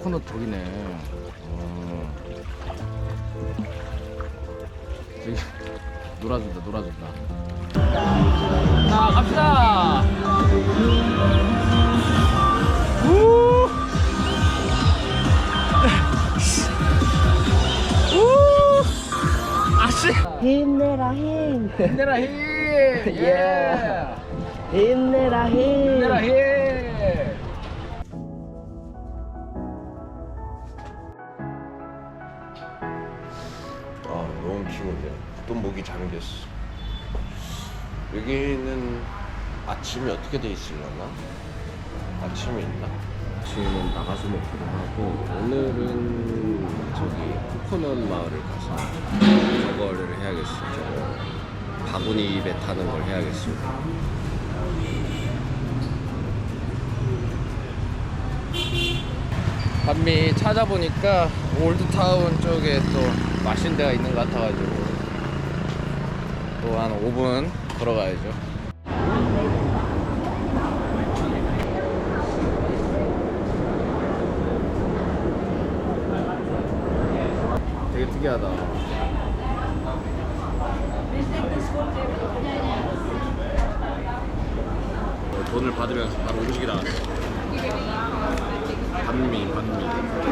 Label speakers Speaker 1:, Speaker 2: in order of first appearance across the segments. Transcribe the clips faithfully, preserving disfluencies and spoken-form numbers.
Speaker 1: 코코넛 저기네. 어. 저기 놀아준다 놀아준다. 자 갑시다. 우! 우! 아씨.
Speaker 2: 힘내라 힘.
Speaker 1: 힘내라 힘. 예.
Speaker 2: 힘내라 힘.
Speaker 1: 힘내라 힘.
Speaker 3: 아 너무 피곤해. 또 목이 잠겼어. 여기는 아침이 어떻게 돼 있으려나? 아침이 있나?
Speaker 1: 아침은 나가서 먹기도 하고 오늘은 저기 코코넛 마을을 가서 저거를 해야겠어요. 저거 바구니 배 타는 걸 해야겠어요. 반미 찾아보니까 올드타운 쪽에 또 맛있는 데가 있는 것 같아가지고 또 한 오 분 걸어가야죠. 되게 특이하다. 어, 돈을 받으면서 바로 음식이 나왔어. 반미, 반미.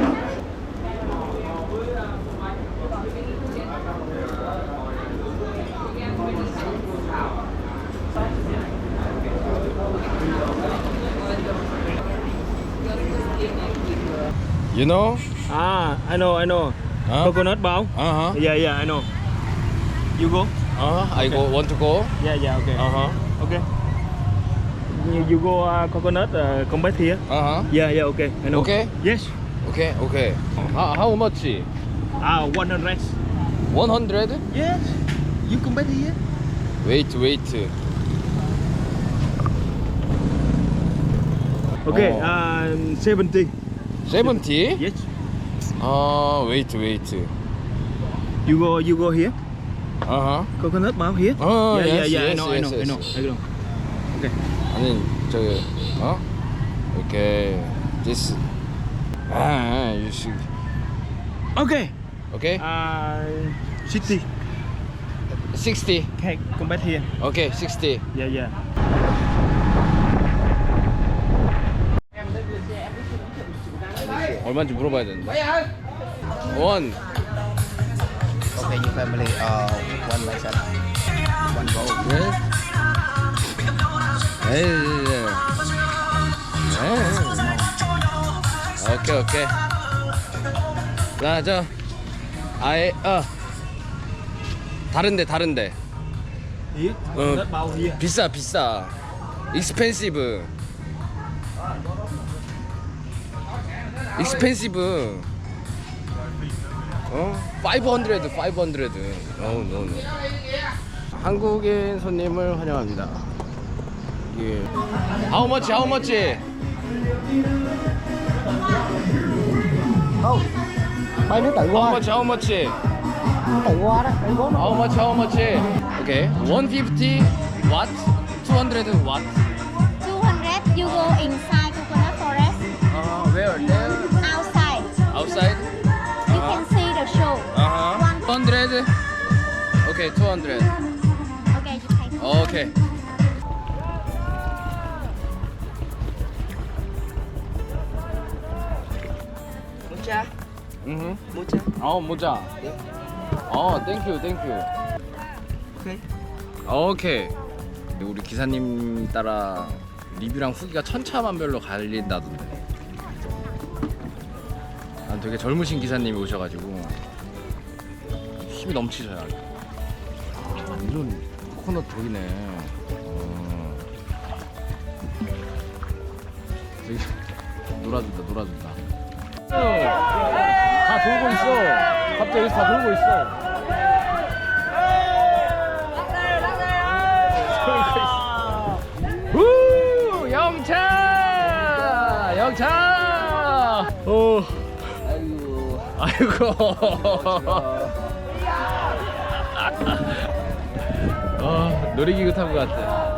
Speaker 1: You know?
Speaker 2: Ah, I know, I know.
Speaker 1: Huh?
Speaker 2: Coconut bao.
Speaker 1: Uh huh.
Speaker 2: Yeah, yeah, I know. You go?
Speaker 1: Uh huh. I go. Want to go?
Speaker 2: Yeah, yeah, okay.
Speaker 1: Uh huh.
Speaker 2: Okay. You, you go uh, coconut uh, come back here.
Speaker 1: Uh huh.
Speaker 2: Yeah, yeah, okay. I know.
Speaker 1: Okay.
Speaker 2: Yes.
Speaker 1: Okay. Okay. How, how much?
Speaker 2: Ah, one hundred.
Speaker 1: One hundred?
Speaker 2: Yes. You come back here.
Speaker 1: Wait, wait.
Speaker 2: Okay.
Speaker 1: Oh.
Speaker 2: Uh, seventy.
Speaker 1: Seventy?
Speaker 2: Yes.
Speaker 1: Uh, wait, wait.
Speaker 2: You go, you go here.
Speaker 1: Uh huh.
Speaker 2: Coconut bao here.
Speaker 1: Oh,
Speaker 2: yeah,
Speaker 1: yes,
Speaker 2: yeah, yeah.
Speaker 1: yes,
Speaker 2: I know,
Speaker 1: yes,
Speaker 2: I know,
Speaker 1: yes.
Speaker 2: I know, I know. Okay.
Speaker 1: 아니 저기 어? Okay. This. Ah, you should.
Speaker 2: Okay.
Speaker 1: Okay.
Speaker 2: Uh, sixty.
Speaker 1: Sixty.
Speaker 2: Okay, come back here.
Speaker 1: Okay, sixty.
Speaker 2: Yeah, yeah.
Speaker 1: 얼마인지 물어봐야 되는데. 원.
Speaker 4: Okay, your family, uh, one myself, one bowl.
Speaker 1: 네. 에이. 에이. 오케이 오케이. 자, 저 아예 어 다른데 다른데
Speaker 2: Here. Coconut bao here.
Speaker 1: 비싸 비싸. 익스펜시브. 익스펜시브. 어? 오백hundred, 오백hundred. Oh, no, no. 한국인 손님을 환영합니다. 예. How much? How much?
Speaker 4: Không, bay nước tự
Speaker 1: How
Speaker 4: qua,
Speaker 1: much? How much?
Speaker 4: tự qua đó, tự qua
Speaker 1: How much? How much? Okay. one fifty watt, two hundred watt.
Speaker 5: two hundred, you go inside coconut forest,
Speaker 1: Uh, where? There?
Speaker 5: outside.
Speaker 1: Outside?
Speaker 5: You can see the show.
Speaker 1: Uh-huh.
Speaker 5: One,
Speaker 1: two hundred. Okay, two hundred.
Speaker 5: okay, you pay.
Speaker 1: Okay.
Speaker 2: Mocha.
Speaker 1: 음.
Speaker 2: Mocha.
Speaker 1: 어, 모자. 어, 땡큐, 땡큐.
Speaker 2: Okay.
Speaker 1: 오케이. 우리 기사님 따라 리뷰랑 후기가 천차만별로 갈린다던데. 아, 되게 젊으신 기사님이 오셔가지고 힘이 넘치셔요. 아, 완전 코코넛 저기네. 어. 저기 놀아준다, 놀아준다. 다 돌고 있어. 갑자기 여기서 다 돌고 있어. 우 영차 영차 오 아이고 아이고 아 놀이기구 타고 갔대.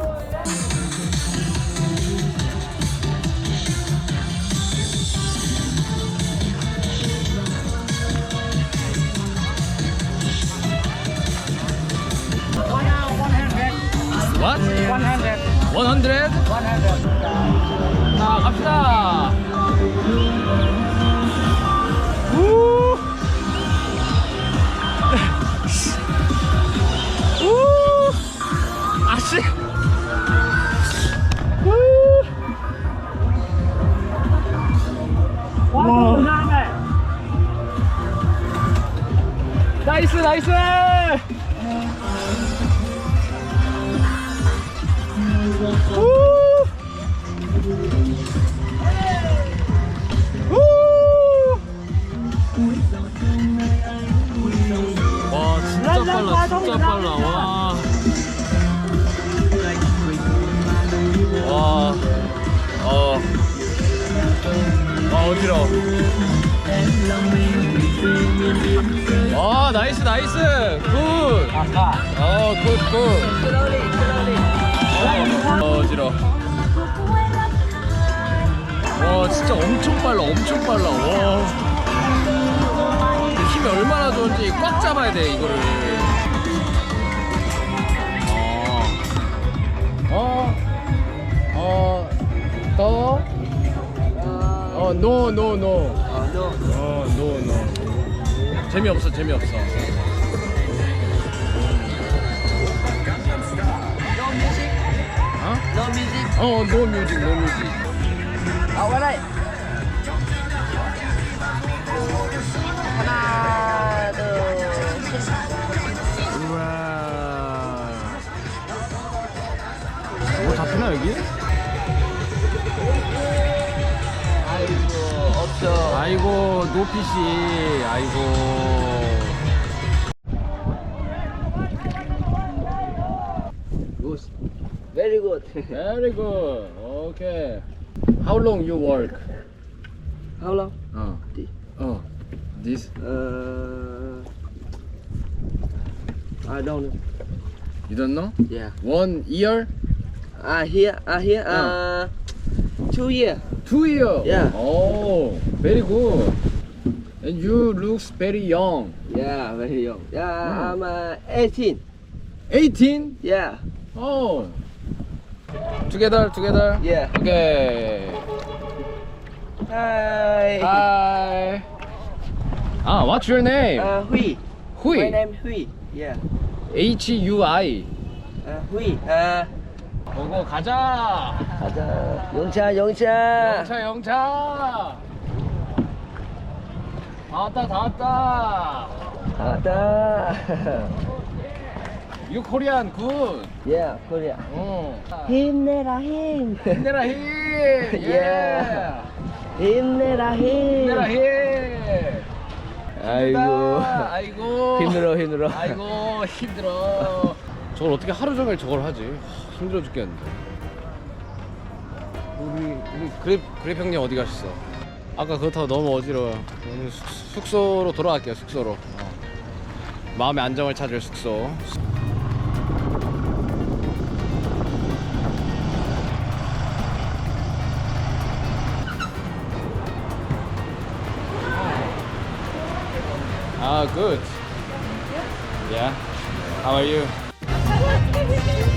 Speaker 1: hundred? 자, 갑시다. 우! 우! 아씨. 우! 와. 나이스 나이스. 우! 우! 와 진짜 빨라 진짜 빨라 와. 와. 어. 와 어지러워. 와 나이스 나이스 굿. 어굿 굿. 어, 어지러워. 와 진짜 엄청 빨라 엄청 빨라. 와 힘이 얼마나 좋은지 꽉 잡아야 돼 이거를. 어, 어, 더, 어, no, no, no. 어, no, no. 재미없어, 재미없어. 어?
Speaker 4: No music.
Speaker 1: 어, no music, no music.
Speaker 4: Ở qua đây. Hana từ
Speaker 1: 우와. 뭐 잡히나 여기?
Speaker 4: 아이고 없어.
Speaker 1: 아이고 노피씨 아이고.
Speaker 4: Good. Very good.
Speaker 1: Very good. Okay. How long you work?
Speaker 4: How long?
Speaker 1: 어. 어. This?
Speaker 4: Uh, I don't know.
Speaker 1: You don't know?
Speaker 4: Yeah.
Speaker 1: One year?
Speaker 4: Ah here, ah here. Uh, two year.
Speaker 1: Two year?
Speaker 4: Yeah.
Speaker 1: Oh, very good. And you looks very young.
Speaker 4: Yeah, very young. Yeah,
Speaker 1: Hmm.
Speaker 4: I'm uh, eighteen.
Speaker 1: eighteen?
Speaker 4: Yeah.
Speaker 1: Oh. Together, together?
Speaker 4: Yeah.
Speaker 1: Okay.
Speaker 4: Hi.
Speaker 1: Hi. Ah, what's your name?
Speaker 4: Uh, Hui.
Speaker 1: Hui.
Speaker 4: My name Hui. Yeah.
Speaker 1: H U I.
Speaker 4: Uh, Hui. Uh,
Speaker 1: 보고 가자.
Speaker 4: 가자. 영차, 영차.
Speaker 1: 영차, 영차. 다 왔다, 다 왔다.
Speaker 4: 가자.
Speaker 1: You Korean good.
Speaker 4: Yeah, Korea.
Speaker 1: 어.
Speaker 4: 힘내라 힘.
Speaker 1: 힘내라 힘.
Speaker 4: Yeah. 힘내라 힘.
Speaker 1: 힘내라 힘.
Speaker 4: 아이고.
Speaker 1: 아이고.
Speaker 4: 힘들어, 힘들어.
Speaker 1: 아이고 힘들어. 저걸 어떻게 하루 종일 저걸 하지? 하, 힘들어 죽겠는데. 우리 우리 그랩 그랩 형님 어디 가셨어? 아까 그렇다고 너무 어지러워. 오늘 숙, 숙소로 돌아갈게요. 숙소로. 어. 마음의 안정을 찾을 숙소. Ah, good. Yeah. How are you?